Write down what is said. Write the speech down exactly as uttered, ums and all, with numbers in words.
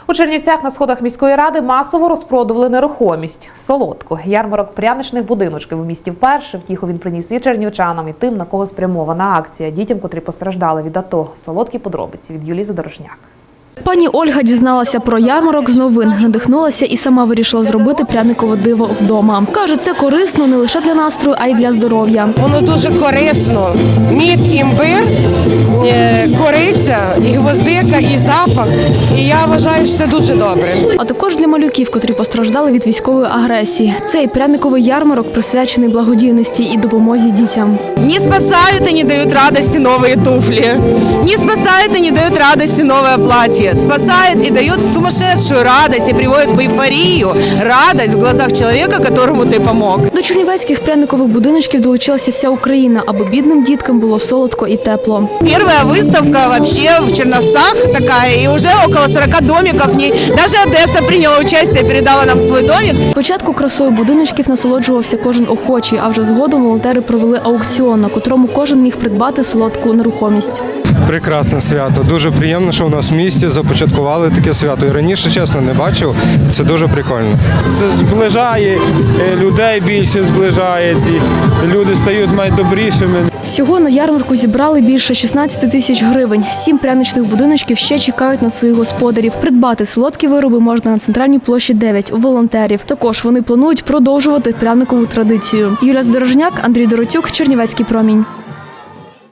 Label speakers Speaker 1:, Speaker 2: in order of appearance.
Speaker 1: У Чернівцях на сходах міської ради масово розпродували нерухомість – солодку. Ярмарок пряничних будиночків у місті вперше. Втіху він приніс і чернівчанам, і тим, на кого спрямована акція. Дітям, котрі постраждали від АТО. Солодкі подробиці від Юлії Задорожняк.
Speaker 2: Пані Ольга дізналася про ярмарок з новин, надихнулася і сама вирішила зробити пряникове диво вдома. Каже, це корисно не лише для настрою, а й для здоров'я.
Speaker 3: Воно дуже корисно. Мід, імбир, кориця, і гвоздика, і запах. І я вважаю, що це дуже добре.
Speaker 2: А також для малюків, котрі постраждали від військової агресії. Цей пряниковий ярмарок присвячений благодійності і допомозі дітям.
Speaker 4: Не спасают и не дают радости новые туфли. Не спасают и не дают радости новое платье. Спасает и дает сумасшедшую радость и приводит в эйфорию, радость в глазах человека, которому ты помог.
Speaker 2: До чернівецьких пряникових будиночків долучилася вся Україна, аби бідним діткам було солодко і тепло.
Speaker 4: Первая выставка вообще в Черновцах такая, и уже около сорока домиков в ней. Даже Одесса приняла участие, передала нам свой домик.
Speaker 2: Спочатку красою будиночків насолоджувався кожен охочий, а вже згодом волонтери провели аукціон, на котрому кожен міг придбати солодку нерухомість.
Speaker 5: Прекрасне свято. Дуже приємно, що у нас в місті започаткували таке свято. І раніше, чесно, не бачив. Це дуже прикольно.
Speaker 6: Це зближає людей, більше зближає, і люди стають найдобрішими.
Speaker 2: Всього на ярмарку зібрали більше шістнадцяти тисяч гривень. Сім пряничних будиночків ще чекають на своїх господарів. Придбати солодкі вироби можна на центральній площі дев'ять у волонтерів. Також вони планують продовжувати пряникову традицію. Юлія Задорожняк, Андрій Доротюк, Чернівецький промінь.